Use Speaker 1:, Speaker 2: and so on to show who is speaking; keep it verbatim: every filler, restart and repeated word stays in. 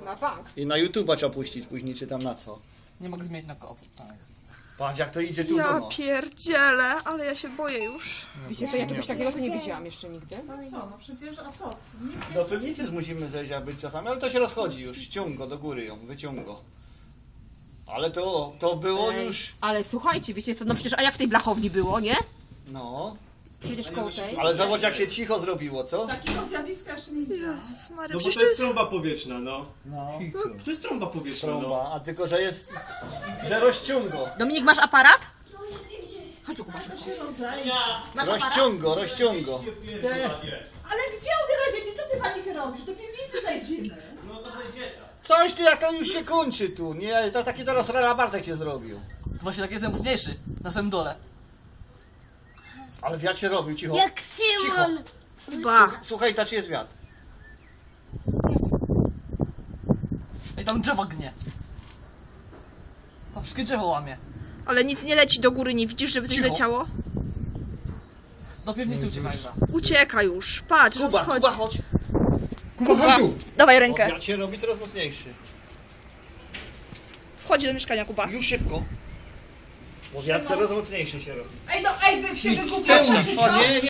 Speaker 1: Na bank.
Speaker 2: I na YouTube'a trzeba puścić później, czy tam na co.
Speaker 3: Nie mogę zmienić na koło.
Speaker 2: Patrz jak to idzie tu
Speaker 4: Ja
Speaker 2: do nas.
Speaker 4: pierdzielę, ale ja się boję już.
Speaker 1: Wiecie co, ja czegoś takiego to nie widziałam jeszcze nigdy.
Speaker 5: No co, no przecież, a co? Nic
Speaker 2: Do
Speaker 5: nie
Speaker 2: piwnicy musimy zejść, aby czasami, ale to się rozchodzi już. Ściąg go do góry ją, wyciąg go. Ale to, to było
Speaker 1: Ej,
Speaker 2: już...
Speaker 1: ale słuchajcie, wiecie co, no przecież, a jak w tej blachowni było, nie?
Speaker 2: No.
Speaker 1: Przecież koło tej.
Speaker 2: Ale zobacz jak się cicho zrobiło, co?
Speaker 5: Takiego zjawiska jeszcze nie widziałam.
Speaker 4: Jezus Maria,
Speaker 6: No bo
Speaker 4: przecież
Speaker 6: to
Speaker 4: to
Speaker 6: jest
Speaker 4: jest...
Speaker 6: trąba powietrzna, no.
Speaker 2: No.
Speaker 6: To jest trąba powietrzna, no.
Speaker 2: Trąba, a tylko, że jest... że rozciąg go.
Speaker 1: Dominik, masz aparat? Chodź tu, Kuba, szybko. Masz aparat?
Speaker 2: Rozciąg go, rozciąg go.
Speaker 5: Ale gdzie ubiera dzieci? Co ty panikę robisz? Do piwnicy zejdziemy.
Speaker 6: No to zejdzie.
Speaker 2: Coś ty jaka już się kończy tu, nie? To taki teraz Rela Bartek się zrobił.
Speaker 3: To właśnie tak jest najmocniejszy. Na samym dole.
Speaker 2: Ale wiatr się robił, cicho.
Speaker 7: Jak Simon!
Speaker 4: Ba.
Speaker 2: Słuchaj, ta czy jest wiatr?
Speaker 3: Ej, tam drzewo gnie. Tam wszystkie drzewo łamie.
Speaker 4: Ale nic nie leci do góry, nie widzisz, żeby coś
Speaker 2: Cicho.
Speaker 4: leciało?
Speaker 3: Do piwnicy uciekaj.
Speaker 4: Ucieka już, patrz,
Speaker 2: Kuba,
Speaker 4: rozchodzi.
Speaker 2: Kuba, chodź.
Speaker 4: Kuba, dawaj
Speaker 2: Bo
Speaker 4: rękę.
Speaker 2: wiatr się robi coraz mocniejszy.
Speaker 4: Wchodzi do mieszkania, Kuba.
Speaker 2: Już szybko. Bo wiatr coraz mocniejszy się robi.
Speaker 5: Ej, no, ej, wy się wygubiacie, czy co?
Speaker 2: Nie, nie.